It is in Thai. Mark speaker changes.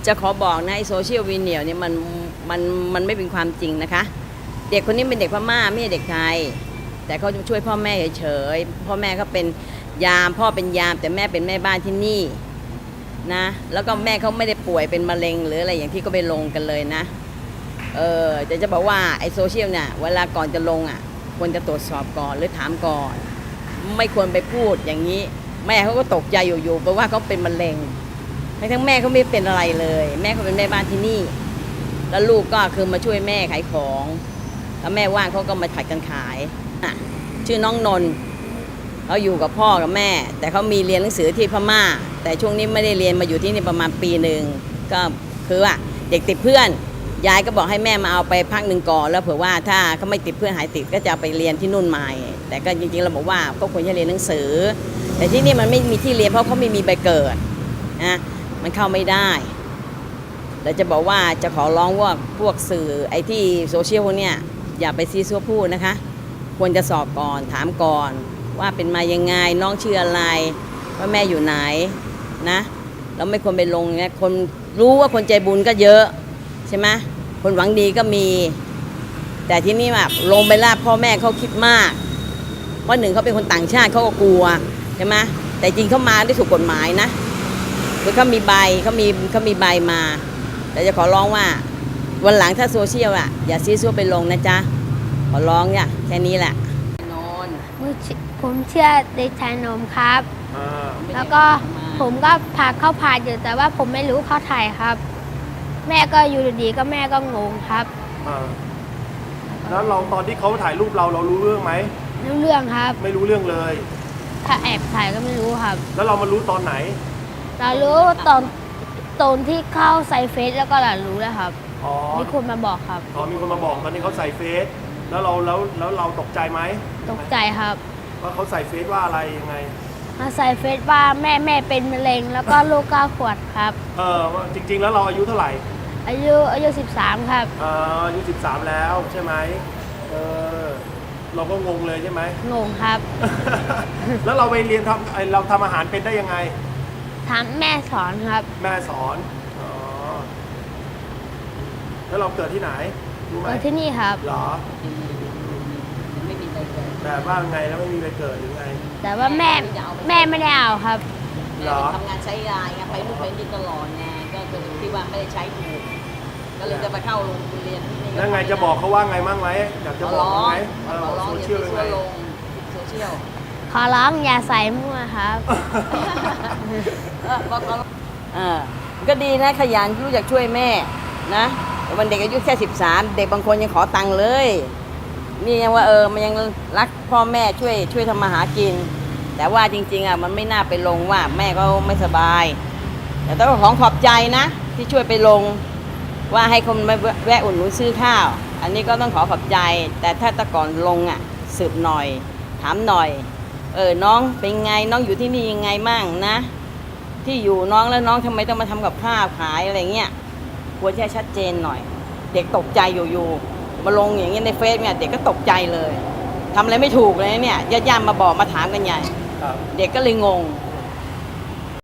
Speaker 1: จะขอบอกนะไอโซเชียลวีเนียเนี่ยมันไม่เป็นความจริงนะคะเด็กคนนี้เป็นเด็กพม่าไม่ใช่เด็กไทยแต่เขาจะช่วยพ่อแม่เฉยๆพ่อแม่เขาเป็นยามพ่อเป็นยามแต่แม่เป็นแม่บ้านที่นี่นะแล้วก็แม่เขาไม่ได้ป่วยเป็นมะเร็งหรืออะไรอย่างที่ก็ไปลงกันเลยนะจะบอกว่าไอโซเชียลเนี่ยเวลาก่อนจะลงอ่ะควรจะตรวจสอบก่อนหรือถามก่อนไม่ควรไปพูดอย่างนี้แม่เขาก็ตกใจอยู่ๆเพราะว่าเขาเป็นมะเร็งทั้งแม่เขาไม่เป็นอะไรเลยแม่เขาเป็นแม่บ้านที่นี่แล้วลูกก็คือมาช่วยแม่ขายของแล้วแม่ว่างเขาก็มาผัดกันขายชื่อน้องนนท์เขาอยู่กับพ่อกับแม่แต่เขามีเรียนหนังสือที่พม่าแต่ช่วงนี้ไม่ได้เรียนมาอยู่ที่นี่ประมาณปีหนึ่งก็คือว่าเด็กติดเพื่อนยายก็บอกให้แม่มาเอาไปพักหนึ่งก่อนแล้วเผื่อว่าถ้าเขาไม่ติดเพื่อนหายติดก็จะไปเรียนที่นู่นใหม่แต่ก็จริงๆเราบอกว่าก็ควรจะเรียนหนังสือแต่ที่นี่มันไม่มีที่เรียนเพราะเขาไม่มีใบเกิดนะมันเข้าไม่ได้เราจะบอกว่าจะขอร้องว่าพวกสื่อไอ้ที่โซเชียลพวกเนี้ยอย่าไปซีซัวพูดนะคะควรจะสอบก่อนถามก่อนว่าเป็นมายังไงน้องชื่ออะไรว่าแม่อยู่ไหนนะแล้วไม่ควรไปลงเนี่ยคนรู้ว่าคนใจบุญก็เยอะใช่ไหมคนหวังดีก็มีแต่ที่นี่แบบลงไปล่าพ่อแม่เขาคิดมากเพราะหนึ่งเขาเป็นคนต่างชาติเขาก็กลัวใช่ไหมแต่จริงเขามาได้ถูกกฎหมายนะคือเขามีใบเขามีใบมาแต่จะขอร้องว่าวันหลังถ้าโซเชียลอ่ะอย่าซีซัวไปลงนะจ๊ะขอร้องเนี่ยแค่นี้แหละนอน
Speaker 2: ผมเชื่อเด็กชายนมครับแล้วก็ผมก็พาเข้าผ่านอยู่แต่ว่าผมไม่รู้เข้าถ่ายครับ แม่ก็อยู่ดีๆก็แม่ก็งงครับ
Speaker 3: แล้วเราตอนที่เขาถ่ายรูปเรารู้เรื่องไหม
Speaker 2: รู้เรื่องครับ
Speaker 3: ไม่รู้เรื่องเลย
Speaker 2: ถ้าแอบถ่ายก็ไม่รู้ครับ
Speaker 3: แล้วเรามารู้ตอนไหน
Speaker 2: เรารู้ตอนที่เข้าใส่เฟซแล้วก็เรารู้แล้วครับมีคนมาบอกครับ
Speaker 3: มีคนมาบอกตอนนี้เขาใส่เฟซแล้วเราตกใจไหม
Speaker 2: ตกใจครับ
Speaker 3: ว่าเขาใส่เฟซว่าอะไรยังไง
Speaker 2: มาใส่เฟซว่าแม่เป็นมะเร็งแล้วก็ลูก9 ขวบครับ
Speaker 3: จริงๆแล้วเราอายุเท่าไหร่
Speaker 2: อายุ13ครับ
Speaker 3: อายุ13แล้วใช่ไหมเราก็งงเลยใช่ไหม
Speaker 2: งงครับ
Speaker 3: แล้วเราไปเรียนเราทำอาหารเป็นได้ยังไง
Speaker 2: แม่สอนครับ
Speaker 3: แม่สอนแล้วเราเกิดที่ไหนรู้ไหม
Speaker 2: ที่นี่ครับ
Speaker 3: เหรอ
Speaker 1: ไม่มีใบเกิด
Speaker 3: แบบว่าไงแล้วไม่มีใบเกิดหรือไง
Speaker 2: แต่ว่าแม่ไม่ได้เอาครับ
Speaker 1: แม่ทำงานใช้ยาไงไปนู่นไปนี่ตลอดไงก็คือที่ว่าไม่ได้ใช้ถูกก็เลยจะไปเข้าโรงเรียนที่นี่
Speaker 3: แล้วไงจะบอกเขาว่าไงมั่งไหมอยากจะบอกไหม
Speaker 1: โซเชียลไงโซเชียล
Speaker 2: ขอร้องอย่าใส่มั่วครับ
Speaker 1: ก็ดีนะขยันรู้จักช่วยแม่นะวันเด็กอายุแค่13เด็กบางคนยังขอตังค์เลยนี่ยังว่ามันยังรักพ่อแม่ช่วยทำมาหากินแต่ว่าจริงๆมันไม่น่าไปลงว่าแม่ก็ไม่สบายแต่ต้องขอบใจนะที่ช่วยไปลงว่าให้คนมาแวะอุ่นหนุนซื้อข้าวอันนี้ก็ต้องขอบใจแต่ถ้าตะก่อนลงสืบหน่อยถามหน่อยน้องเป็นไงน้องอยู่ที่นี่ยังไงมั่งนะที่อยู่น้องแล้วน้องทำไมต้องมาทำกับข้าวขายอะไรเงี้ยควรจะชัดเจนหน่อยเด็กตกใจอยู่มาลงอย่างเงี้ยในเฟซเนี่ยเด็กก็ตกใจเลยทำอะไรไม่ถูกเลยเนี่ยญาติๆมาบอกมาถามกันใหญ่เด็กก็เลยงง